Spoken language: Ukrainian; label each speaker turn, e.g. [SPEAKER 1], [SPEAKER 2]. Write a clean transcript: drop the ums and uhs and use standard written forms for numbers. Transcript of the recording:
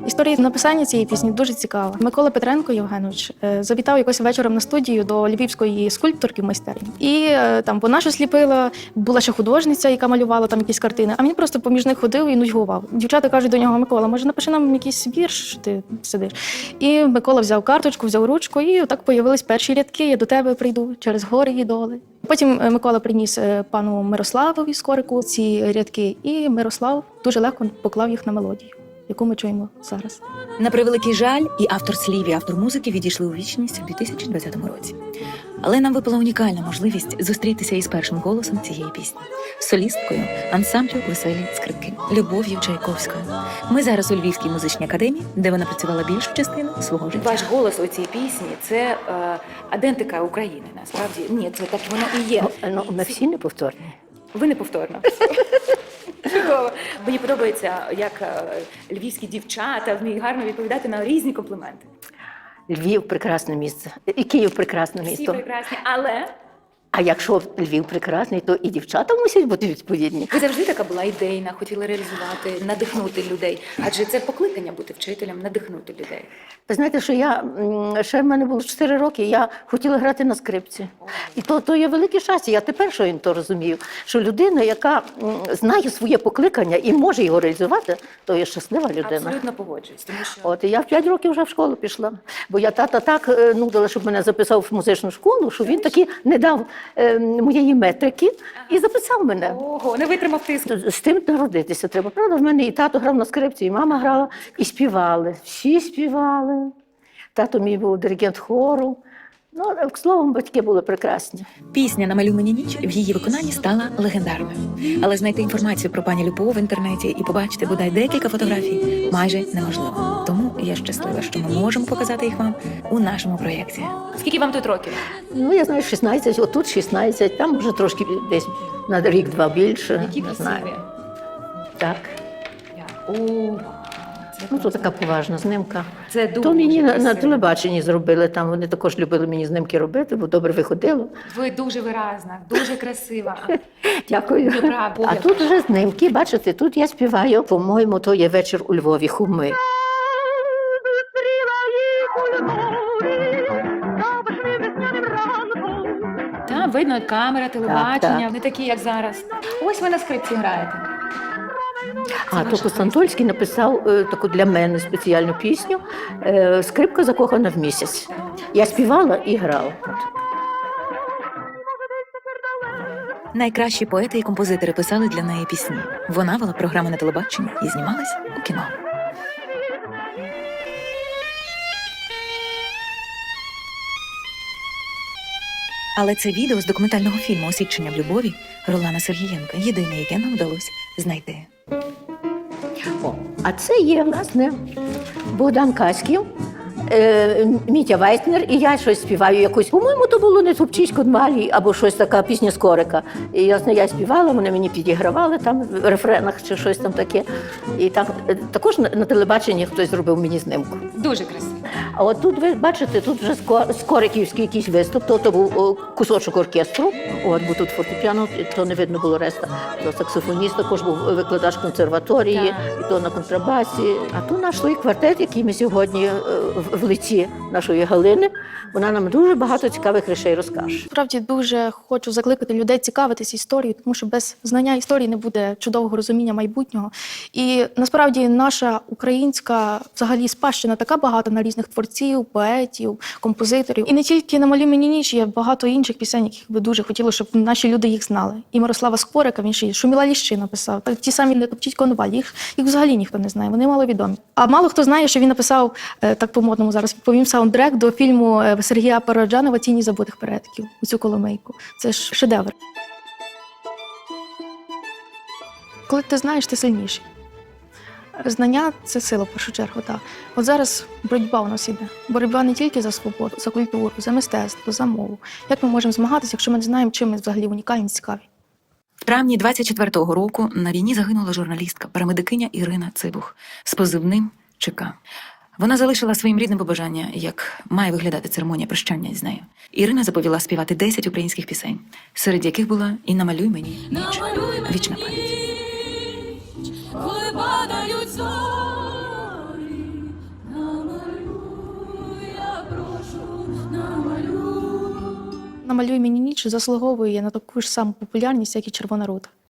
[SPEAKER 1] Історія написання цієї пісні дуже цікава. Микола Петренко Євгенович завітав якось вечором на студію до львівської скульпторки в майстерні. І там вона щось ліпила, була ще художниця, яка малювала там якісь картини, а він просто поміж них ходив і нудьгував. Дівчата кажуть до нього: Микола, може напиши нам якийсь вірш, що ти сидиш. І Микола взяв карточку, взяв ручку, і так появились перші рядки: я до тебе прийду через гори і доли. Потім Микола приніс пану Мирославові Скорику ці рядки, і Мирослав дуже легко поклав їх на мелодію, яку ми чуємо зараз.
[SPEAKER 2] На превеликий жаль, і автор слів, і автор музики відійшли у вічність у 2020 році. Але нам випала унікальна можливість зустрітися із першим голосом цієї пісні – солісткою ансамблю «Веселі скрипки» Любов'ю Чайковською. Ми зараз у Львівській музичній академії, де вона працювала більшу частину свого життя.
[SPEAKER 3] Ваш голос у цій пісні – це адентика України, насправді. Ні, це так воно і є.
[SPEAKER 4] Ну, ми всі неповторні.
[SPEAKER 3] Ви неповторно. Чудово. Мені подобається, як львівські дівчата вміють гарно відповідати на різні компліменти.
[SPEAKER 4] Львів – прекрасне місце. І Київ – прекрасне
[SPEAKER 3] Всі
[SPEAKER 4] місто.
[SPEAKER 3] прекрасні, але
[SPEAKER 4] А якщо Львів прекрасний, то і дівчата мусять бути відповідні.
[SPEAKER 3] ви завжди така була ідейна, хотіли реалізувати, надихнути людей. Адже це покликання бути вчителем, надихнути людей.
[SPEAKER 4] Ви знаєте, що ще в мене було 4 роки, я хотіла грати на скрипці. І то є велике щастя. Я тепер що то розумію, що людина, яка знає своє покликання і може його реалізувати, то є щаслива людина.
[SPEAKER 3] Абсолютно погоджуюсь, тому що
[SPEAKER 4] От, і я в 5 років вже в школу пішла. Бо я тата так нудила, щоб мене записав в музичну школу, що він таки не дав моєї метрики і записав мене.
[SPEAKER 3] ого, не витримав тиску.
[SPEAKER 4] З тим народитися треба. Правда, в мене і тато грав на скрипці, і мама грала, і співали. Всі співали. Тато мій був диригент хору. Ну, словом, батьки були прекрасні.
[SPEAKER 2] Пісня «Намалюй мені ніч» в її виконанні стала легендарною. Але знайти інформацію про пані Любов в інтернеті і побачити бодай декілька фотографій майже неможливо. Тому я щаслива, що ми можемо показати їх вам у нашому проєкті.
[SPEAKER 3] Скільки вам тут років?
[SPEAKER 4] Ну, я знаю, 16, отут 16, там вже трошки десь на рік-два більше.
[SPEAKER 3] Які
[SPEAKER 4] не знаю.
[SPEAKER 3] красиві.
[SPEAKER 4] Так. Ну, то така поважна знимка.
[SPEAKER 3] Це дуже
[SPEAKER 4] То мені на
[SPEAKER 3] красиво.
[SPEAKER 4] телебаченні зробили, там вони також любили мені знимки робити, бо добре виходило.
[SPEAKER 3] Ви дуже виразна, дуже красива.
[SPEAKER 4] Дякую.
[SPEAKER 3] Ви праві.
[SPEAKER 4] А тут вже знимки, бачите, тут я співаю, по-моєму, то є вечір у Львові, Хуми.
[SPEAKER 3] Там видно камера, телебачення,
[SPEAKER 4] так.
[SPEAKER 3] не такі, як зараз. Ось ви на скрипці граєте.
[SPEAKER 4] А то Костантольський написав таку для мене спеціальну пісню «Скрипка закохана в місяць». Я співала і грала.
[SPEAKER 2] Найкращі поети і композитори писали для неї пісні. Вона вела програми на телебаченні і знімалась у кіно. Але це відео з документального фільму «Освідчення в любові» Ролана Сергієнка єдине, яке нам вдалося знайти.
[SPEAKER 4] О, а це є, власне, Богдан Каськів, Мітя Вайснер, і я щось співаю якусь. По-моєму, то було не «Тупчисько дмалі» або щось така пісня Скорика. І я співала, вони мені підігравали там в рефренах чи щось там таке. І так, також на телебаченні хтось зробив мені знимку.
[SPEAKER 3] Дуже красиво.
[SPEAKER 4] А от тут ви бачите, тут вже скориківський якийсь виступ, то був кусочок оркестру, от, бо тут фортепіано, то не видно було решта. То саксофоніст також був викладач консерваторії, і то на контрабасі. А тут наш свій квартет, який ми сьогодні в лиці нашої Галини, вона нам дуже багато цікавих речей розкаже.
[SPEAKER 1] Справді дуже хочу закликати людей цікавитись історією, тому що без знання історії не буде чудового розуміння майбутнього. І насправді наша українська взагалі спадщина така багата на різних творців, поетів, композиторів. І не тільки «Намалюй мені ніч», є багато інших пісень, яких би дуже хотіли, щоб наші люди їх знали. І Мирослава Скорика, він ще й «Шуміла ліщина» написав. Так, ті самі «Не топчіть конваль», їх взагалі ніхто не знає, вони маловідомі. А мало хто знає, що він написав, так по-модному зараз відповім, саундтрек до фільму Сергія Параджанова «Тіні забутих предків», у цю коломийку. Це ж шедевр. Коли ти знаєш, ти сильніший. Знання – це сила, в першу чергу, так. От зараз боротьба у нас іде. Боротьба не тільки за свободу, за культуру, за мистецтво, за мову. Як ми можемо змагатися, якщо ми не знаємо, чим ми взагалі унікальні, цікаві?
[SPEAKER 2] В травні 24-го року на війні загинула журналістка, парамедикиня Ірина Цибух з позивним ЧК. Вона залишила своїм рідним побажання, як має виглядати церемонія прощання з нею. Ірина заповіла співати 10 українських пісень, серед яких була і «Намалюй мені ніч». Вічна пам'ять.
[SPEAKER 5] Коли падають зорі,
[SPEAKER 1] «Намалюй мені ніч» заслуговує на таку ж саму популярність, як і «Червона рута».